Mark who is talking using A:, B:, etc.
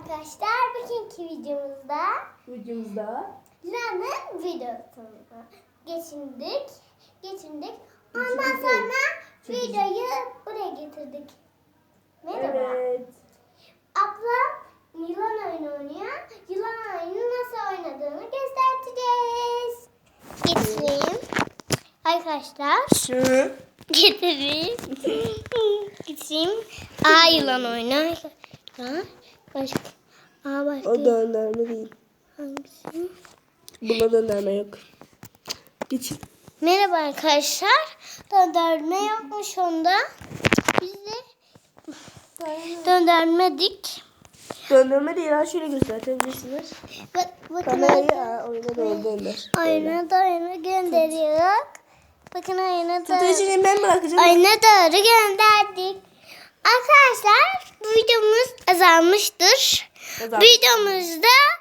A: arkadaşlar. Bugünkü videomuzda La'nın videosunu geçindik. Ondan sonra videoyu buraya getirdik. Merhaba.
B: Evet.
A: Ablam yılan oyunu oynuyor. Yılan oyunu nasıl oynadığını göstereceğiz. Getireyim. Arkadaşlar. Getireyim. Getireyim. Yılan oyunu. Başka. Başka.
B: O döndürme değil.
A: Hangisi?
B: Buna döndürme yok. Geçin.
A: Merhaba arkadaşlar. Döndürme yokmuş onda. Biz de döndürmedik.
B: Döndürme değil. Ha şöyle gösterebilirsiniz.
A: Bakın
B: Kamerayı oyuna doğru döndür.
A: oyuna doğru gönderiyoruz. Bakın oyuna doğru.
B: Tutucunu ben bırakacağım.
A: Oyuna doğru gönderdik. Arkadaşlar bu videomuz azalmıştır.
B: Azalmış.
A: Videomuzda